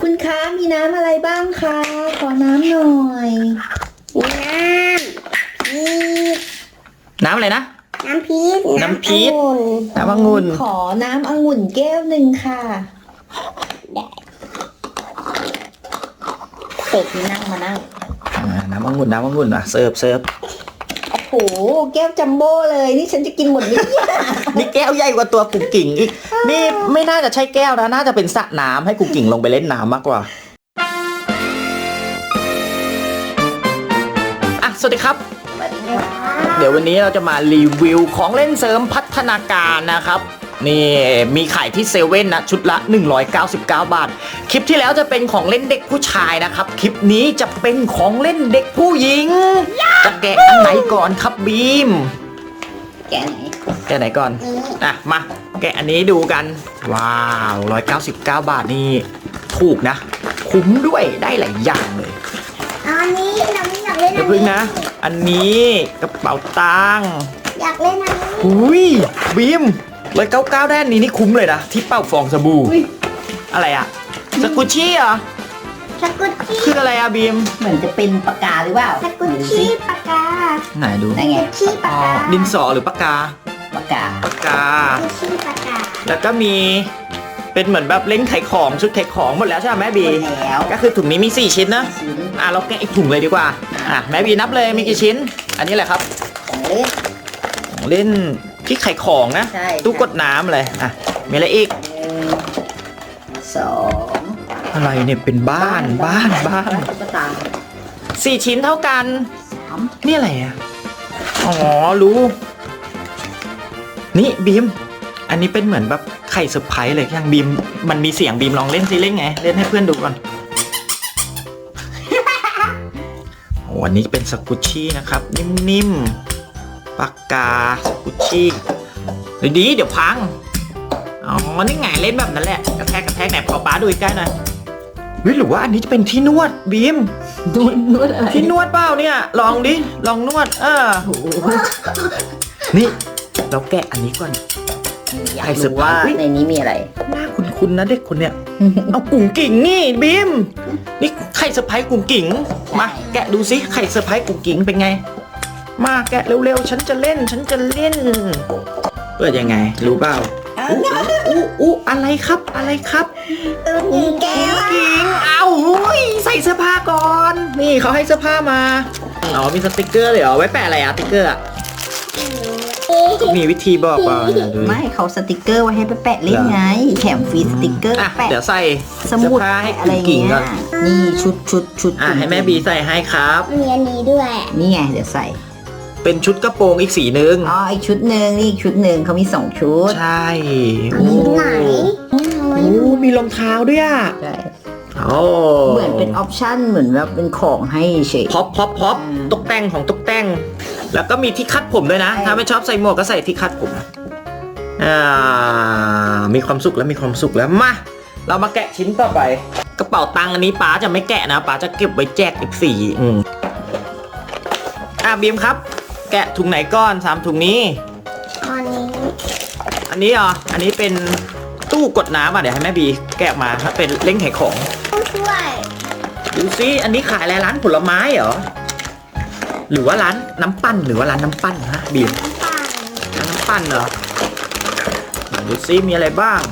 คุณคะมีน้ำอะไรบ้างคะขอน้ำหน่อยน้ำอะไรนะน้ำพีชน้ำองุ่นขอน้ำองุ่นแก้วหนึ่งค่ะเป็ดนั่งมานั่งน้ำองุ่นอ่ะเสิร์ฟโอ้โหแก้วจัมโบ้เลยนี่ฉันจะกินหมดนี้นี่แก้วใหญ่กว่าตัวกุ่งกิ่งอีกนี่ไม่น่าจะใช่แก้วนะน่าจะเป็นสระน้ำให้กุ่งกิ่งลงไปเล่นน้ำมากกว่าสวัสดีครับเดี๋ยววันนี้เราจะมารีวิวของเล่นเสริมพัฒนาการนะครับนี่มีขายที่เซเว่นนะชุดละ199 บาทคลิปที่แล้วจะเป็นของเล่นเด็กผู้ชายนะครับคลิปนี้จะเป็นของเล่นเด็กผู้หญิงจะแกะอันไหนก่อนครับบีมแกะไหนก่อนมาแกะอันนี้ดูกันว้าว199 บาทนี่ถูกนะคุ้มด้วยได้หลายอย่างเลยอันนี้เราไม่อยากเล่นเดี๋ยวพึ่งนะอันนี้กระเป๋าตังค์อยากเล่นอันนี้อุ้ยบีม199ได้อันนี้นี่คุ้มเลยนะที่เป่าฟองสบู่อะไรอะสกุชชี่เหรอสกุชชี่คืออะไรอะบีมเหมือนจะเป็นปากกาหรือเปล่าสกุชชี่ปากกาไหนดูได้ไงสกุชชี่ปากกาดินสอหรือปากกาปากกาสกุชชี่ปากกาแล้วก็มีเป็นเหมือนแบบเล้งไข่ของชุดไข่ของหมดแล้วใช่ไหมแม่บีแล้วก็คือถุงนี้มี4ชิ้นนะเราแกะอีกถุงเลยดีกว่าแม่บีนับเลยมีกี่ชิ้นอันนี้แหละครับของเล่นที่ไข่ของนะตู้กดน้ำเลยมีอะไรอีก 2 อะไรเนี่ยเป็นบ้าน4ชิ้นเท่ากันนี่อะไรอ่ะอ๋อรู้นี่บีมอันนี้เป็นเหมือนแบบไข่เซอร์ไพรส์เลยอย่างบีมมันมีเสียงบีมลองเล่นซิเล่นไงเล่นให้เพื่อนดูก่อนโอ้อันนี้เป็นสกุชชี่นะครับนิ่มๆปากกาสกุชชี่ดีเดี๋ยวพังอ๋อนี่ไงเล่นแบบนั้นแหละกระแทกไหนพอป้าดูใกล้หน่อยหรือว่าอันนี้จะเป็นที่นวดบีมนวดอะไรที่นวดเปล่าเนี่ยลองดิลองนวดนี่เราแกะอันนี้ก่อนอยากรู้ว่าในนี้มีอะไรหน้าคุ้นๆนะเด็กคนเนี้ยเอากุ่งกิ่งนี่บีมนี่ไข่เซอร์ไพรส์กุ่งกิ่งมาแกะดูสิไข่เซอร์ไพรส์กุ่งกิ่งเป็นไงมาแกะเร็วๆฉันจะเล่นเปิดยังไงรู้เปล่าอะไรครับแก้วกิ่งเอาใส่เสื้อผ้าก่อนนี่เขาให้เสื้อผ้ามาอ๋อมีสติกเกอร์เลยเหรอไว้แปะอะไรสติกเกอร์มีวิธีบอกเปล่าไม่เขาสติกเกอร์ไว้ให้ไปแปะเล่นไงแถมฟรีสติกเกอร์แปะเดี๋ยวใส่สมุดให้อะไรเงี้ยนี่ชุดให้แม่บีใส่ให้ครับมีอันนี้ด้วยนี่ไงเดี๋ยวใส่เป็นชุดกระโปรงอีกสีนึงอีกชุดหนึ่งนี่อีกชุดหนึ่งเขามี2ชุดใช่ไหนมีรองเท้าด้วยใช่เหมือนเป็นออปชั่นเหมือนแบบเป็นของให้เฉยพ็อปตกแต่งของตกแต่งแล้วก็มีที่คัดผมด้วยนะถ้าไม่ชอบใส่หมวกก็ใส่ที่คัดผมมีความสุขแล้วมาเรามาแกะชิ้นต่อไปกระเป๋าตังค์อันนี้ป๋าจะไม่แกะนะป๋าจะเก็บไว้แจกอีก4บีมครับแกะถุงไหนก้อน3ถุงนี้อันนี้อันนี้เป็นตู้กดน้ำเดี๋ยวให้แม่บีแกะมาเป็นเล้งไข่ของช่วยดูซิอันนี้ขายอะไรร้านผลไม้เหรอหรือว่าร้านน้ำปั้นฮะบีมน้ำปั้นเหรอดูซิมีอะไรบ้าง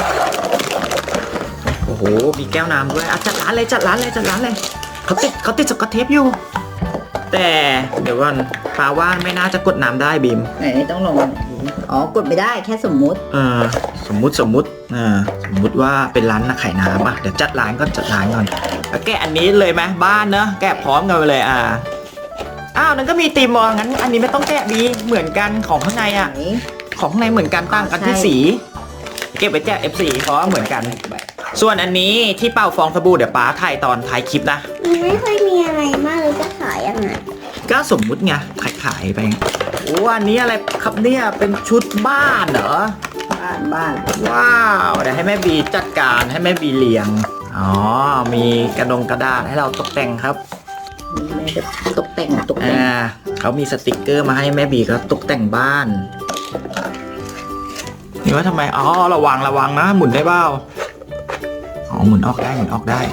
โอ้โหมีแก้วน้ำด้วยจัดร้านเลยเขาติดสกอตเทปอยู่แต่เดี๋ยวก่อนปาว่าไม่น่าจะกดน้ำได้บีมไหนต้องลงกดไม่ได้แค่สมมุติสมมุติว่าเป็นร้านขายน้ำเดี๋ยวจัดร้านก่อนแล้วแกะอันนี้เลยไหมบ้านเนอะแกะพร้อมกันไปเลยนั่นก็มีตีมงั้นอันนี้ไม่ต้องแกะบีเหมือนกันของข้างในของข้างในเหมือนกันต่างกันที่สีเก็บไปแจก F4 เพราะเหมือนกันส่วนอันนี้ที่เป่าฟองสบู่เดี๋ยวป้าถ่ายตอนถ่ายคลิปนะไม่ค่อยมีอะไรมากเลยจะขายยังไงก็สมมุติไงขายไปอันนี้อะไรครับเนี่ยเป็นชุดบ้านเหรอบ้านว้าวเดี๋ยวให้แม่บีจัดการให้แม่บีเรียงมีกระดาษให้เราตกแต่งครับตกแต่งเขามีสติกเกอร์มาให้แม่บีก็ตกแต่งบ้านนี่ว่าทำไมระวังนะหมุนได้เปล่าหมุนออกได้หมุนออกได้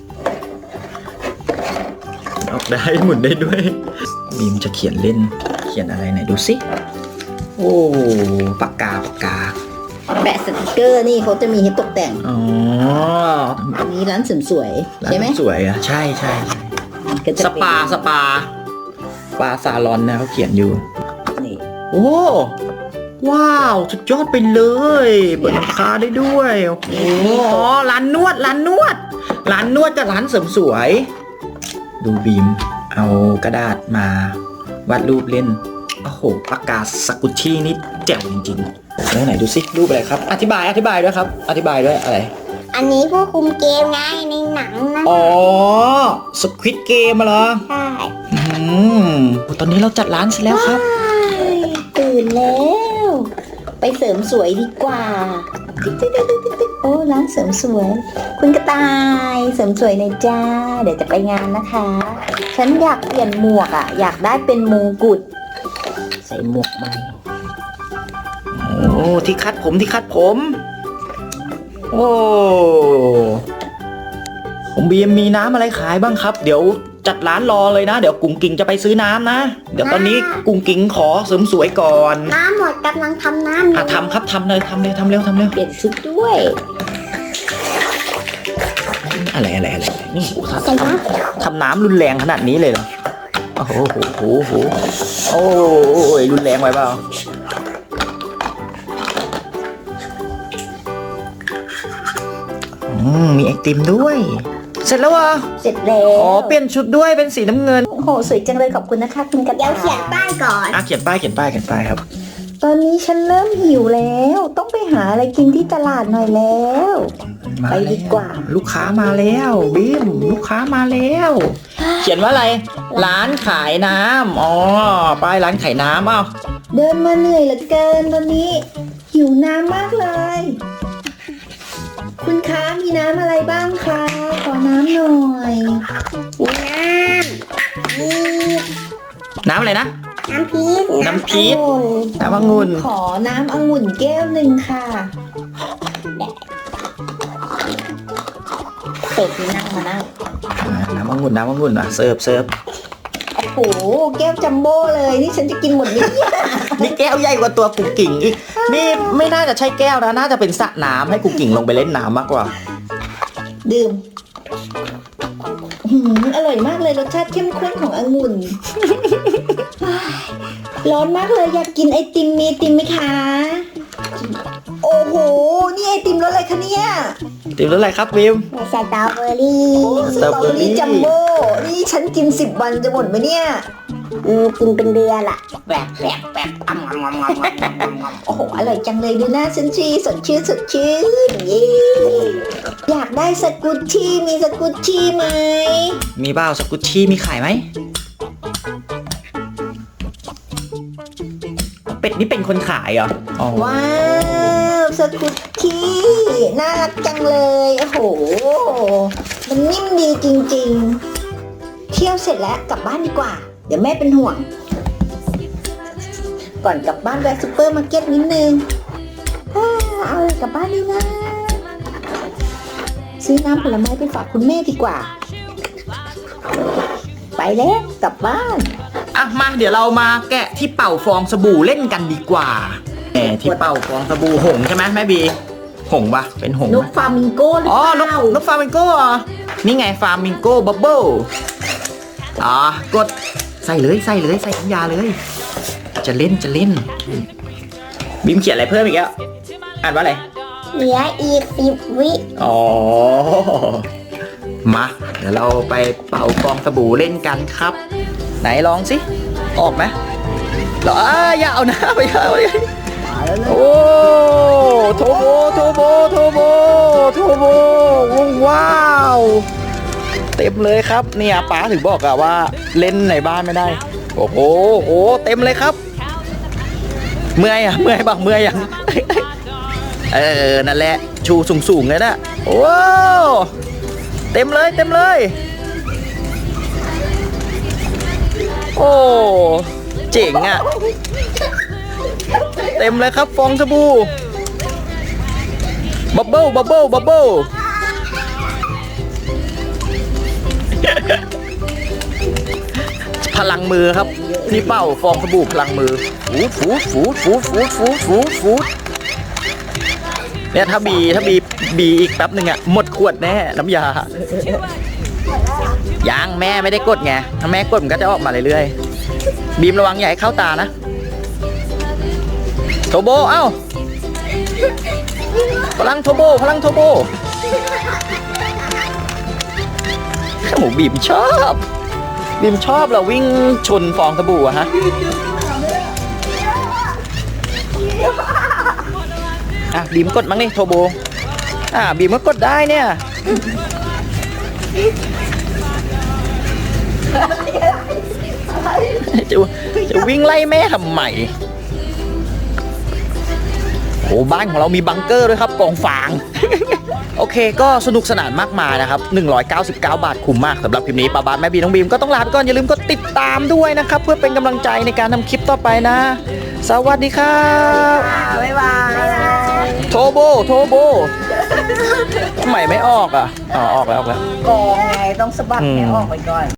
หมุนออกได้หมุนได้ด้วยบีมจะเขียนเล่นเขียนอะไรไหนดูสิโอ้ปากกาแปะสติกเกอร์นี่เขาจะมีให้ตกแต่งอ๋ออันนี้ร้านเสริมสวยใช่ไหมร้านสวยอ่ะใช่ก็จะสเป็นปาซาลอนนะเขาเขียนอยู่นี่โอ้ว้าวสุดยอดไปเลยเปิดราคาได้ด้วยโอ้โหร้านนวดกับร้านเสริมสวย ดูบีมเอากระดาษมาวาดรูปเล่นโอ้โหปากกาสกุชชี่นี่แจ๋วจริงๆแล้วไหนดูสิรูปอะไรครับอธิบายด้วยครับอธิบายด้วยอะไรอันนี้ผู้คุมเกมไงในหนังนะอ๋อสควิดเกมเหรอใช่ตอนนี้เราจัดร้านเสร็จแล้วครับตื่นแล้ว ไปเสริมสวยดีกว่าโอ้ร้านเสริมสวย คุณกระต่ายเสริมสวยในอยจ้าเดี๋ยวจะไปงานนะคะ ฉันอยากเปลี่ยนหมวกอ่ะอยากได้เป็นมงกุฎใส่หมวกใหม่โอ้ที่คัดผมโอ้ผมบีมมีน้ำอะไรขายบ้างครับเดี๋ยวจัดร้านรอเลยนะเดี๋ยวกุ้งกิ่งจะไปซื้อน้ำนะเดี๋ยวตอนนี้กุ้งกิ่งขอเสริมสวยก่อนน้ำหมดกำลังทำน้ำอยู่ทำครับทำเร็วเปลี่ยนชุดด้วยอะไรนี่โอ้ทำน้ำรุนแรงขนาดนี้เลยเหรอโอ้โหโอ้ยรุนแรงไปเปล่ามีไอติมด้วย เสร็จแล้ววะเสร็จแล้วอ๋อเปลี่ยนชุดด้วยเป็นสีน้ำเงินโอ้โหสวยจังเลยขอบคุณนะคะคุณกระเดี๋ต่ายวเขียนป้ายก่อนเขียนป้ายครับตอนนี้ฉันเริ่มหิวแล้ว ต้องไปหาอะไรกินที่ตลาดหน่อยแล้ว ไปดีกว่าลูกค้ามาแล้วบีมลูกค้ามาแล้ว เขียนว่าอะไรร้านขายน้ำอ๋อป้ายร้านขายน้ำอ้าวเดินมาเหนื่อยเหลือเกินตอนนี้หิวน้ำมากเลย คุณคะมีน้ำอะไรบ้างคะขอน้ำหน่อยมีน้ำน้ำอะไรนะน้ำพีชน้ำพีชองุ่นน้ำองุ่นขอน้ำองุ่นแก้วหนึ่งค่ะเป็ดนั่งมานั่งน้ำองุ่นอ่ะเสิร์ฟโอ้โหแก้วจัมโบ้เลยนี่ฉันจะกินหมดไหมเนี่ยนี่แก้วใหญ่กว่าตัวกุ่งกิ่งอีกนี่ไม่น่าจะใช่แก้วนะน่าจะเป็นสระน้ำให้กุ่งกิ่งลงไปเล่นน้ำมากกว่าดื่มอร่อยมากเลยรสชาติเข้มข้นขององุ่น ร้อนมากเลยอยากกินไอติมมีไอติมไหมคะ โอ้โหนี่ไอติมรสอะไรคะเนี่ยติมรสอะไรครับวิมสตรอเบอรี่สตรอเบอรี่จัมโบ้นี่ฉันกิน10 วันจะหมดไหมเนี่ยกินเป็นเดือนละแปลกโอ้โหอร่อยจังเลยดูหน้าฉันชีสดชื่นเย้อยากได้สกุชชี่มีสกุชชี่ไหมมีบ้าสกุชชี่มีขายไหมเป็ดนี่เป็นคนขายเหรออ๋อว้าวสกุชชี่น่ารักจังเลยโอ้โหมันนิ่มดีจริงๆเที่ยวเสร็จแล้วกลับบ้านดีกว่าเดี๋ยวแม่เป็นห่วงก่อนกลับบ้านแวะซุปเปอร์มาร์เก็ตนิดนึงเอาอะไรกลับบ้านดีนะซื้อน้ำผลไม้ไปฝากคุณแม่ดีกว่า ไปแล้วกลับบ้านอ่ะมาเดี๋ยวเรามาแกะที่เป่าฟองสบู่เล่นกันดีกว่าที่เป่าฟองสบู่หงใช่ไหมแม่บีหงปะเป็นหงนกฟลามิงโก้หรืออ๋อเปล่านกฟลามิงโก้เหรอนี่ไงฟลามิงโก้บับเบิ้ลกดใส่น้ำยาเลยจะเล่นบิมเขียนอะไรเพิ่มอีกแล้วอ่านว่าอะไรเหลืออีก10 วิอ๋อมาเดี๋ยวเราไปเป่าฟองสบู่เล่นกันครับไหนลองสิออกไหมเหรออย่าเอานะไปเอาโอ้โทโบว้าวเต็มเลยครับเนี่ยป๊าถึงบอกอะว่าเล่นในบ้านไม่ได้โอ้โหเต็มเลยครับเมื่อยบอกเมื่อยยัง นั่นแหละชูสูงเลยนะโอ้เต็มเลยโอ้เจ๋งอ่ะเต็มเลยครับฟองสบู่บับเบิ้ลพลังมือครับที่เป่าฟองสบู่พลังมือฟูดฟูดฟูดฟูดฟูดฟูดฟูดเนี่ยถ้าบีอีกแป๊บหนึ่งอะหมดขวดแน่น้ำยายังแม่ไม่ได้กดไงถ้าแม่กดมันก็จะออกมาเรื่อยๆบีมระวังอย่าให้เข้าตานะโทโบเอ้าพลังโทโบหมูบีมชอบเราวิ่งชนฟองสบู่อะฮะอ่ะบีมกดมั้งนี่โทโบบีมก็กดได้เนี่ยจะวิ่งไล่แม่ทำไมโอ้บ้านของเรามีบังเกอร์ด้วยครับกองฟาง โอเคก็สนุกสนานมากมายนะครับ199 บาทคุ้มมากสำหรับคลิปนี้ป้าบาสแม่บีน้องบีมก็ต้องลาไปก่อนอย่าลืมกดติดตามด้วยนะครับเพื่อเป็นกำลังใจในการทำคลิปต่อไปนะสวัสดีครับบ๊ายบายโทโบทำไมไม่ออกอ่ะออกแล้วกองไงต้องสะบัดให้ออกไปก่อน